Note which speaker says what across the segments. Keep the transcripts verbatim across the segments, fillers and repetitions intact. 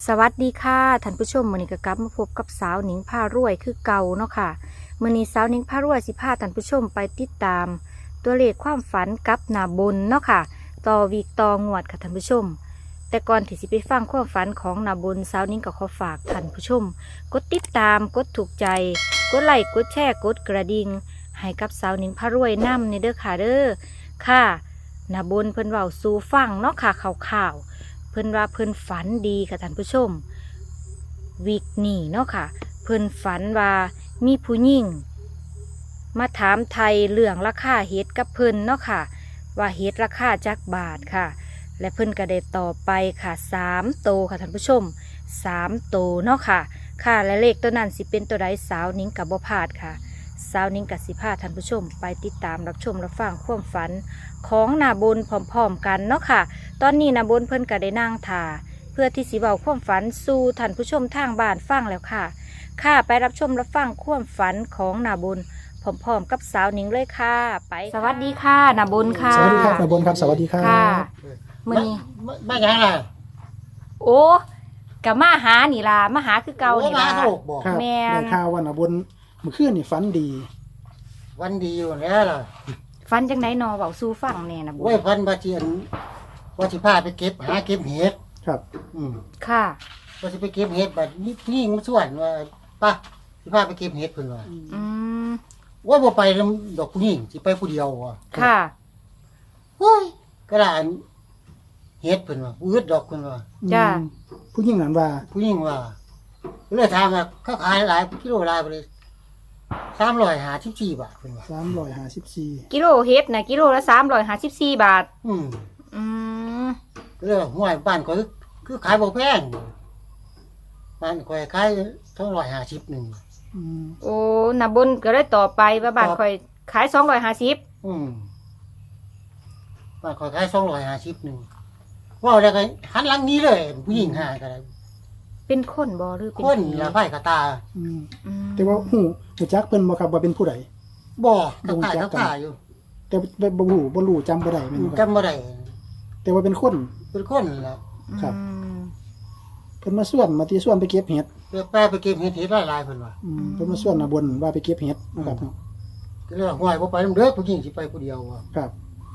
Speaker 1: สวัสดีค่ะท่านผู้ชมมื้อนี้ก็กลับมาพบกับสาวหนิงพารวยคือเก่าเนาะค่ะมื้อนี้สาวหนิงพารวยสิพาท่านผู้ชมไปติดตาม ตัวเลขความฝันกับหน้าบนเนาะค่ะต่อวีกต่องวดค่ะท่านผู้ชม แต่ก่อนที่สิไปฟังความฝันของหน้าบนสาวหนิงก็ขอฝากท่านผู้ชม กดติดตามกดถูกใจ กดไลค์กดแชร์กดกระดิ่งให้กับสาวหนิงพารวยนำในเด้อค่ะเด้อค่ะหน้าบนเพิ่นเว้าสู่ฟังเนาะค่ะข่าวๆ เพิ่นว่าเพิ่นฝันดีค่ะท่านผู้ชมวิกนี่เนาะค่ะเพิ่นฝันว่ามีผู้หญิงมาถามไทยเรื่องราคาเฮ็ดกับเพิ่นเนาะค่ะว่าเฮ็ดราคาจักบาทค่ะและเพิ่นก็ได้ตอบไปค่ะสามโตค่ะท่านผู้ชมสามโตเนาะค่ะค่ะและเลขตัวนั้นสิเป็นตัวใดสาวนิ้งกับบ่พลาดค่ะสาวนิ้งกับสิพาท่านผู้ชมไปติดตามรับชมรับฟังความฝันของหน้าบนพร้อมๆกันเนาะค่ะ ตอนนี้นะบนเพิ่นก็ได้นั่งถ่าเพื่อที่สิเว้าความฝันสู่ท่านผู้ชมทางบ้านฟังแล้วค่ะ ค่ะไปรับชมรับฟังความฝันของนาบนพร้อมๆกับสาวหนิงเลยค่ะ ไปสวัสดีค่ะนาบนค่ะ
Speaker 2: สวัสดีครับนาบนครับสวัสดีครับ
Speaker 1: ค่ะมื้อนี้
Speaker 3: ไม่ไม่ยังล่ะ
Speaker 1: โอ้กะมาหานี่ล่ะมาหาคือเก่า
Speaker 3: โอ้
Speaker 1: นี่
Speaker 3: มา
Speaker 1: ล่ะ
Speaker 3: โลกบอก
Speaker 2: ครับ
Speaker 1: แม่น
Speaker 2: ได้ข่าวว่านาบนเมื่อคืนนี่ฝันดี
Speaker 3: วันดีอยู่แล้วล่ะ
Speaker 1: ฝันจังไดนอเว้าสู่ฟังแน่นาบน
Speaker 3: โอ้ยพันบาเจียนว่าสิพาไปเก็บหาเก็บเห็ด
Speaker 2: ครับ
Speaker 3: อืม
Speaker 1: ค่ะ
Speaker 3: ว่าสิไปเก็บเห็ดบัดนี้ผู้หญิงมาส่วนว่าป้าสิพาไปเก็บเห็ดเพิ่นว่า
Speaker 1: อืม
Speaker 3: ว่าบ่ไปนำดอกผู้หญิงสิไปผู้เดียวว่ะ
Speaker 1: ค่ะ
Speaker 3: โอ้ยกระดานเห็ดเพิ่นว่าอืดดอกเพิ่นว่า
Speaker 1: จ้า
Speaker 2: อืมผู้หญิงนั้นว่า
Speaker 3: ผู้หญิงว่าเลยถามว่าเขาขายหลายกิโลหลายไปเลยสามร้อยห้าสิบสี่บาทเพิ่นว่า
Speaker 2: สามร้อยห้าสิบสี่
Speaker 1: กิโลเฮ็ดนะกิโลละสามร้อยห้าสิบสี่บาท
Speaker 3: อืม
Speaker 1: อืม
Speaker 3: เรื่องห้วยบ้านข่อยคือขายบ่แพงบ้านข่อยขายสองร้อยห้าสิบหนึ่ง
Speaker 2: อืม
Speaker 1: โอ้นาบนก็เลยต่อไปว่าบ้าน
Speaker 3: ครับ
Speaker 1: ข่อยขายสองร้อยห้าสิบ
Speaker 3: อืมบ้านข่อยขายสองร้อยห้าสิบหนึ่งว่าแล้วก็หันหลังนี้เลย ผู้หญิงหาก็ได้
Speaker 1: เป็นคนบ่หรือเป็น
Speaker 3: คน
Speaker 1: ผี
Speaker 3: ละไพ่กระตา
Speaker 2: อืม
Speaker 1: อืม
Speaker 2: แต่ว่าหูหูจักเพิ่นบ่ครับว่าเป็นผู้ใด
Speaker 3: บ่ก
Speaker 2: บ่
Speaker 3: ระ
Speaker 2: รู้
Speaker 3: ตาย
Speaker 2: จั
Speaker 3: ก
Speaker 2: ก
Speaker 3: ระ
Speaker 2: กัน
Speaker 3: ตาอยู่
Speaker 2: แต่บ่บ่รู้บ่รู้จำบ่ได้แม่นบ่ครับ
Speaker 3: จำบ่ได้
Speaker 2: แต่ว่าเป็นคน
Speaker 3: เป็นคนละ
Speaker 2: ครับ
Speaker 1: อืม
Speaker 2: เพิ่นมาส่วนมาที่ส่วนไปเก็บเห็ด
Speaker 3: ไปแปรไปเก็บเห็ดเห็ดหลายๆเพิ่นว่า
Speaker 2: อืมเพิ่นมาส่วนนาบนว่าไปเก็บเห็ดนะครับเนาะ
Speaker 3: ก็เลยว่าห้วยบ่ไปนำเด้อผู้หญิงสิไปผู้เดียวว่ะ
Speaker 2: ครับ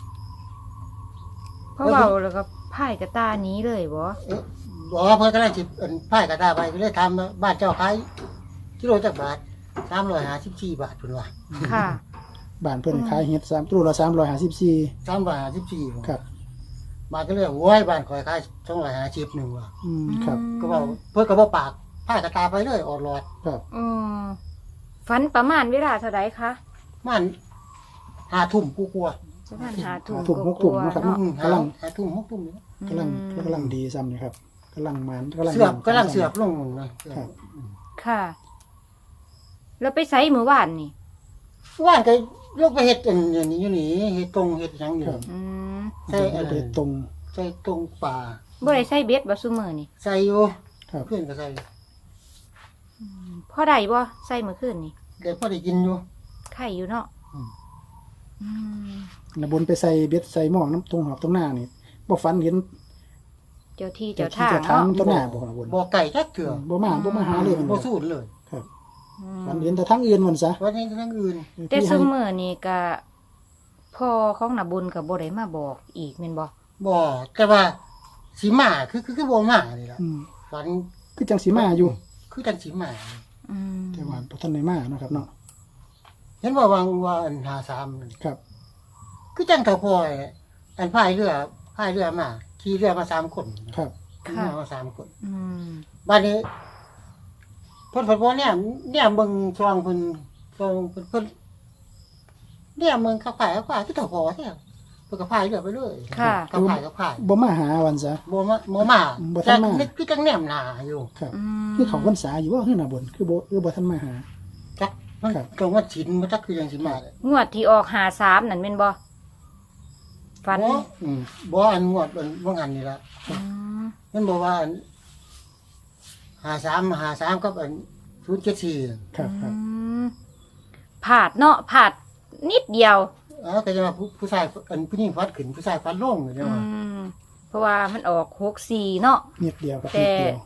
Speaker 1: เพราะเบาแล้วก็พ่ายกระตาหนี้เลยบ่
Speaker 3: เอ๊ะบ่เพิ่นกำลังสิอันไพ่กระตาไปก็เลยถามว่าบ้านเจ้าขายกิโลจักบาทสามร้อยห้าสิบสี่บาทเพิ่นว่า
Speaker 1: ค่ะ
Speaker 2: บ้านเพิ่นขายเห็ดสามตู้ละสามร้อยห้าสิบสี่
Speaker 3: สามร้อยห้าสิบสี่
Speaker 2: ครับ
Speaker 3: มาก็เลยโอ้ยบ้านข่อยขายสองร้อยห้าสิบหนึ่งว่ะ
Speaker 2: อืมครับ
Speaker 3: ก็บอกเพื่อนก็บอกปากผ้ากระตาไปเลยออดหลอด
Speaker 2: ครับ
Speaker 1: อืมฝันประมาณเวลาเท่าไรคะ
Speaker 3: มันหาทุ่มกูกลัว
Speaker 1: ประมาณหาทุ่ม
Speaker 2: หาทุ่มหกทุ่มนะครับ
Speaker 1: เนาะ
Speaker 3: อืมหาก
Speaker 2: ำลัง
Speaker 3: หาทุ่มหกทุ่มนี่
Speaker 2: กำลังกำลังดีซ้ำนี่ครับกำลังมันกำลัง
Speaker 3: เสือบกำลังเสือบลงนะครับ
Speaker 1: ค่ะ แล้วไปไซมือวานนี่
Speaker 3: ว่านก็ลงไปเห็ดอันนี้อยู่นี่เห็ดตรงเห็ดหยังอยู่
Speaker 1: อืม
Speaker 3: ใส่
Speaker 2: ใช่
Speaker 3: อะไร
Speaker 2: ไปตรง
Speaker 3: ใส่ตรงป่า
Speaker 1: บ่ได้ใส่เบ็ดบ่ซุมื้อนี่
Speaker 3: ใส่อยู่
Speaker 2: ครับ
Speaker 3: เพื่อนก็ใส่
Speaker 1: พอได้บ่ใส่มื้อคืนนี่
Speaker 3: เดี๋ยวพอได้กินอยู่
Speaker 1: ไข่อยู่เนาะ
Speaker 3: อืม
Speaker 1: อืม
Speaker 2: นะบนไปใส่เบ็ดใส่หม้องน้ำตรงหอบตรงหน้านี่บ่ฝันเห็น
Speaker 1: เจ้าที่
Speaker 2: เจ้า
Speaker 1: เจ้า
Speaker 2: ที่
Speaker 1: ทาง
Speaker 2: เจ้าทาง
Speaker 1: เนาะ
Speaker 2: ต้นหน้าบ่นะบน
Speaker 3: บ่ไก่จักเถื่อ
Speaker 2: บ่มาบ่มาหาเลยมัน
Speaker 3: บ่สูดเลย
Speaker 2: ครับ
Speaker 1: อืม
Speaker 2: ฝันเห็นแต่ทางอื่นมันซะ
Speaker 3: วันนี้ทั้งอื่น
Speaker 1: แต่
Speaker 2: ที่
Speaker 1: ซุ
Speaker 2: ให้
Speaker 1: มื้อนี่ก็พ่อของน่ะบุญก็บ่ได้มาบอกอีกแม่นบ่
Speaker 3: บ่แต่ว่าสีหมาคือคือคือบ่หมานี่ล่ะ
Speaker 2: อืม
Speaker 3: ฝัน
Speaker 2: คือจังสีมาอยู่
Speaker 3: คือจังสีหมา
Speaker 1: อืม
Speaker 2: แต่ว่าบ่ทันได้มาเนาะครับเนาะ
Speaker 3: เห็นว่าวางว่าอันหาสามนั่น
Speaker 2: ครับ
Speaker 3: คือจังเท่าพอยอันพายเรือพายเรือมาขี่เรือมาสามคน
Speaker 2: ครับ
Speaker 3: ขี่เรือมาสามคน
Speaker 1: อืม
Speaker 3: บ้านนี้เพิ่นเพิ่นบ่เนี่ยเนี่ยเบิ่งช่องเพิ่นช่องเพิ่นเพิ่นเนี่ยเมืองเขาขายเขาขายคือเท่าพอแท้เพิ่นก็พายเรือไปเลยเขาขายเขาขาย
Speaker 2: บ่มาหาวันซะ
Speaker 3: บ่มาบ่มา
Speaker 2: บ่ทันมา
Speaker 3: แต่นี่คือจังแนมหน้าอยู่
Speaker 2: ครับ
Speaker 1: อืม
Speaker 2: คือเขาพรรษาอยู่ว่าคือหน้าบนคือบ่คือบ่ทันมาหา
Speaker 3: จักมัน
Speaker 2: ครับ
Speaker 3: ตรงว่าศีลมันจักคือจังสิมาเลย
Speaker 1: งวดที่ออกห้าสามนั่นแม่นบ่ฝัน
Speaker 3: บ่อืมบ่อันงวดอันบ่หันนี่ล่ะ
Speaker 1: อืม
Speaker 3: มันบอกว่าอันหาสามหาสามกับอันศูนย์เจ็ดสี่
Speaker 2: ครับครับ
Speaker 1: อืมผาดเนาะผาดนิดเดียว
Speaker 3: อ๋อก็จะมาผู้ผู้ชายอันผู้หญิงฟัดขึ้นผู้ชายฟัดลงอยู่
Speaker 1: อื
Speaker 3: เนี่ยว่าม
Speaker 1: เพราะว่ามันออกหกสี่เนาะ
Speaker 2: นิดเดียวกับ
Speaker 1: แต่
Speaker 2: นิดเดียว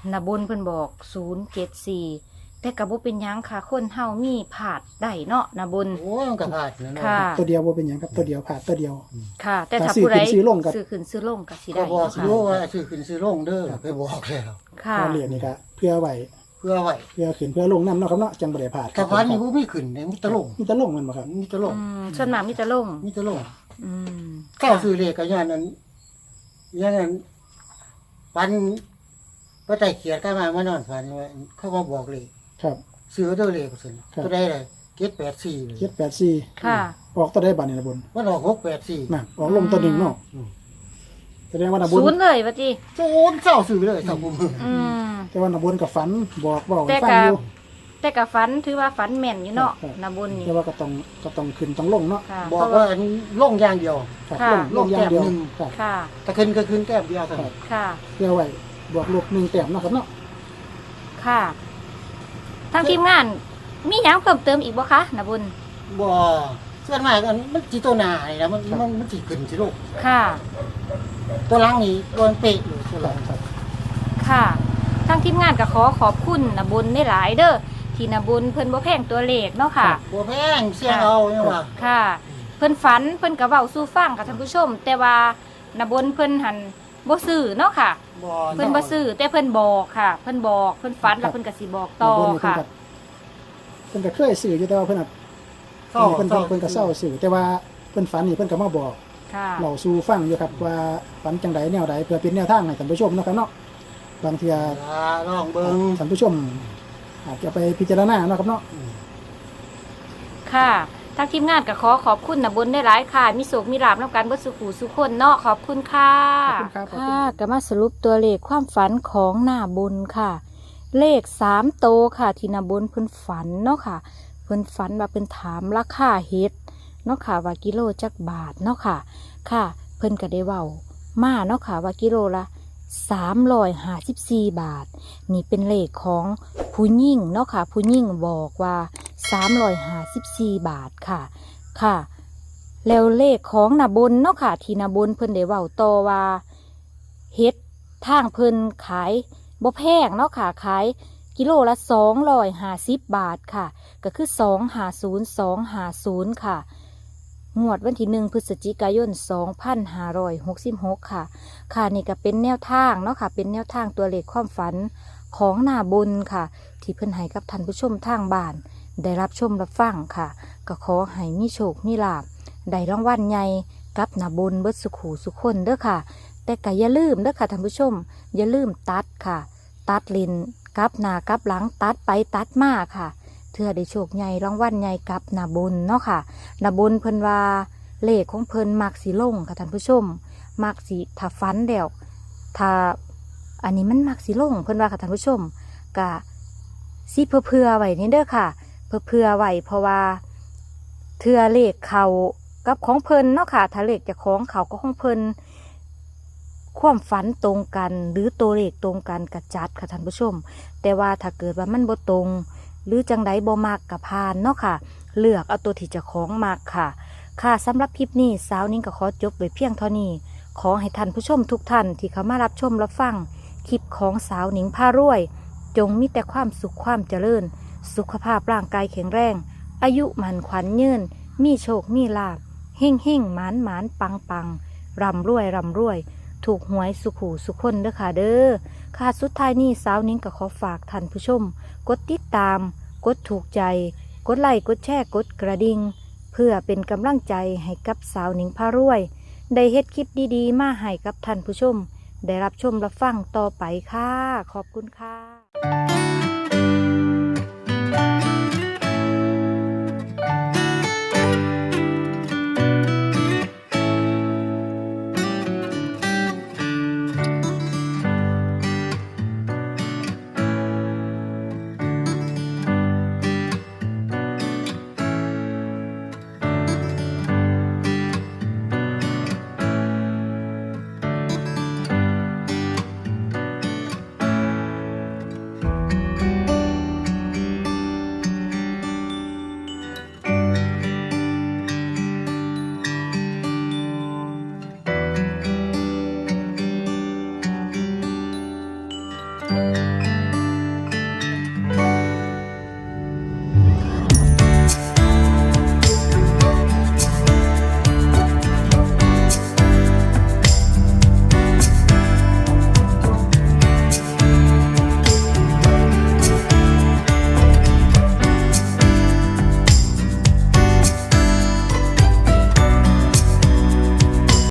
Speaker 1: นาบนเพิ่นบอกศูนย์เจ็ดสี่แต่ก็บ่เป็นหยังค่ะคนเฮามีผาดได้เนาะนาบน
Speaker 3: โอ้ยมันก็พลาดนะเนาะ
Speaker 1: ค่ะ
Speaker 2: ตัวเดียวบ่เป็นหยังครับตัวเดียวผ่านตัวเดียว
Speaker 1: ค่ะ แต่
Speaker 2: ถ้า
Speaker 1: ถ้า
Speaker 2: ซื้อ
Speaker 1: ผู้ใด
Speaker 2: ขึ้นซื้อลงก็
Speaker 1: ซื้อขึ้นซื้อลงก็สิ
Speaker 3: ก็
Speaker 1: ได้
Speaker 3: บอก
Speaker 1: เนาะค่ะ
Speaker 3: อยู่ว่าซื้อขึ้นซื้อลงเด้อไปบอกแล้ว
Speaker 1: ค่ะ
Speaker 2: ก็เหรียญนี่ก็เพื่อไว้
Speaker 3: เพื่อไว้
Speaker 2: เพื่อขึ้นเพื่อลงนำเนาะครับเนาะจังบ่ได้พลาด
Speaker 3: แต่วันนี้บ่มีขึ้นเนี่ยมีแตะลง
Speaker 2: มีแต่ลงมันบ่ครับ
Speaker 3: มีแตะลง
Speaker 1: อืมส่วนมากมีแต่ลง
Speaker 3: มีแตะลง
Speaker 1: อืม
Speaker 3: เก้าซื้อเลขก็ย้อนนั้นย้อนนั้นวันพระไตรเขียนก็มามานอนฝันว่าเขามาบอกเลข
Speaker 2: ครับ
Speaker 3: ซื้อตัวเลขก็ซั่น
Speaker 2: ครับ
Speaker 3: ตัวใดเลยเจ็ดแปดสี่เลย
Speaker 2: เจ็ดแปดสี่
Speaker 1: ค่ะ
Speaker 2: ออกตัวได้บัดนี่นะบน
Speaker 3: มันออกหกแปดสี่
Speaker 2: น่ะออกลงตัวหนึงเนาะ
Speaker 3: อืม
Speaker 2: แสดงว่านะบน
Speaker 1: ศูนย์เลยว่าติ
Speaker 3: โจนเศร้าซื้อเลยเศร้าบุ้ม
Speaker 1: อืม
Speaker 2: แต่ว่านะบนกับฝันบอกเว้าให้
Speaker 1: แต่
Speaker 2: ฟัง
Speaker 1: ก็
Speaker 2: อยู่
Speaker 1: แต่ก็ฝันถือว่าฝันแม่นอยู่เนาะ
Speaker 2: ครับ
Speaker 1: นาบนนี่
Speaker 2: แต่ว่าก็ต้องก็ต้องขึ้นต้องลงเนาะ
Speaker 1: ค่ะ
Speaker 3: บอกว่าอันลงอย่างเดียว
Speaker 2: ครับ
Speaker 1: ค่ะ
Speaker 2: ลงลงอย่างเดียว
Speaker 3: ลงแต้มหนึ่ง
Speaker 2: ครับ
Speaker 1: ค่ะ
Speaker 3: แต่ขึ้นก็ขึ้นแก้มเดียวเท่านั้น
Speaker 1: ค่ะ
Speaker 2: เพื่อไว้บวกลบหนึ่งแต้มเนาะครับเนาะ
Speaker 1: ค่ะทางทีมงาน มีหยังเพิ่มเติมอีกบ่คะนาบุญ
Speaker 3: บ่ส่วนมากอันมันจิตัวหนานี่นะมันมันมันสิขึ้นสิลูก
Speaker 1: ค่ะ
Speaker 3: ตัวหลังนี่โดนเปะเลยตัวหลัง
Speaker 2: ครับ
Speaker 1: ค่ะทางทีมงานก็ขอขอบคุณนาบุญได้หลายเด้อที่นาบุญเพิ่นบ่แพงตัวเลขเนาะค่ะ
Speaker 3: บัวแพงเสียงเอาเนี่ยว่า
Speaker 1: ค่ะ เพิ่นฝันเพิ่นก็เว้าสู่ฟังกับท่านผู้ชม แต่ว่านาบุญเพิ่นหันบ่ซื้อเนาะค่ะ
Speaker 3: บ่
Speaker 1: เพิ่นบ่ซื้อแต่เพิ่นบอกค่ะ เพิ่นบอกเพิ่นฝันแล้วเพิ่นก็สิบอกต่อ
Speaker 2: นะบนนี่เพิ่น
Speaker 1: ค่ะ
Speaker 2: ก็เพิ่นก็เคยซื้ออยู่แต่ว่าเพิ่นน่ะ
Speaker 3: เศร้า
Speaker 2: เพิ่นเพิ่นเพิ่นก็เศร้าซื้อแต่ว่าเพิ่นฝันนี่เพิ่นก็มาบอก
Speaker 1: ค่ะ
Speaker 2: เราสู่ฟังอยู่ครับว่าฝันจังไดแนวใดเพื่อเป็นแนวทางให้ท่านผู้ชมเนาะครับเนาะบางเทีย
Speaker 3: อ่าลองเบิ่ง
Speaker 2: ท่านผู้ชม อาจจะไปพิจารณาเนาะครับเนาะ
Speaker 1: ค่ะทางทีมงานก็ขอขอบคุณนาบุญได้หลายค่ะ มีโศกมีลาบนำกันเบิดสุขหูสุขคนเนาะขอบคุณค่ะ
Speaker 2: ขอบคุณครับขอบคุณ
Speaker 1: ค่ะก็มาสรุปตัวเลขความฝันของหน้าบุญค่ะ เลขสามโตวค่ะ ที่หน้าบุญเพิ่นฝันเนาะค่ะ เพิ่นฝันว่าเพิ่นถามราคาเฮ็ดเนาะค่ะว่ากิโลจักบาทเนาะค่ะ ค่ะ เพิ่นก็ได้เว้ามาเนาะค่ะว่ากิโลละสามร้อยห้าสิบสี่บาท นี่เป็นเลขของผู้หญิงเนาะค่ะ ผู้หญิงบอกว่าสามร้อยห้าสิบสี่บาทค่ะ ค่ะ แล้วเลขของนาบนเนาะค่ะ ที่นาบนเพิ่นได้เว้าต่อว่าเฮ็ดทางเพิ่นขายบ่แพงเนาะค่ะขายกิโลละสองร้อยห้าสิบบาทค่ะ ก็คือสองห้าศูนย์สองห้าศูนย์ค่ะ งวดวันที่หนึ่งพฤศจิกายนสองพันห้าร้อยหกสิบหกค่ะ ค่ะนี่ก็เป็นแนวทางเนาะค่ะ เป็นแนวทางตัวเลขความฝันของนาบนค่ะ ที่เพิ่นให้กับท่านผู้ชมทางบ้าน ได้รับชมรับฟังค่ะ ก็ขอให้มีโชคมีลาภได้รางวัลใหญ่กับนาบนเบิดสุขหูสุขคนเด้อค่ะ แต่ก็อย่าลืมเด้อค่ะท่านผู้ชม อย่าลืมตัดค่ะ ตัดลินกับหน้ากับหลังตัดไปตัดมาค่ะเพื่อได้โชคใหญ่รางวัลใหญ่กับนาบนเนาะค่ะนาบนเพิ่นว่าเลขของเพิ่นมักสีลงค่ะท่านผู้ชมมักสีถ้าฟันแล้วถ้าอันนี้มันมักสีลงเพิ่นว่าค่ะท่านผู้ชมกะสิเพื่อเพื่อไว้นี่เด้อค่ะ เพื่อเพื่อไว้เพราะว่าเทือเลขเขากับของเพิ่นเนาะค่ะถ้าเลขจะของเขาก็ของเพิ่นความฝันตรงกันหรือตัวเลขตรงกันกระจัดค่ะท่านผู้ชม แต่ว่าถ้าเกิดว่ามันบ่ตรง หรือจังไดบ่มักกับพานเนาะค่ะ เลือกเอาตัวที่เจะของมักค่ะ ค่ะสำหรับคลิปนี้สาวนิ้งก็ขอจบไว้เพียงเท่านี้ ขอให้ท่านผู้ชมทุกท่านที่เข้ามารับชมรับฟังคลิปของสาวนิ้งพารวย จงมีแต่ความสุขความเจริญ สุขภาพร่างกายแข็งแรง อายุมันขวัญยืนมีโชคมีลาภเฮ่งเฮ่งหมานหมานปังปังร่ำรวยร่ำรวย ถูกหวยสุขหูสุขคนเด้อค่ะเด้อค่ะสุดท้ายนี้สาวนิ้งก็ขอฝากท่านผู้ชม กดติดตาม กดถูกใจ กดไลค์กดแชร์กดกระดิ่งเพื่อเป็นกำลังใจให้กับสาวนิ้งพารวย ได้เฮ็ดคลิปดีๆมาให้กับท่านผู้ชม ได้รับชมรับฟังต่อไปค่ะ ขอบคุณค่ะ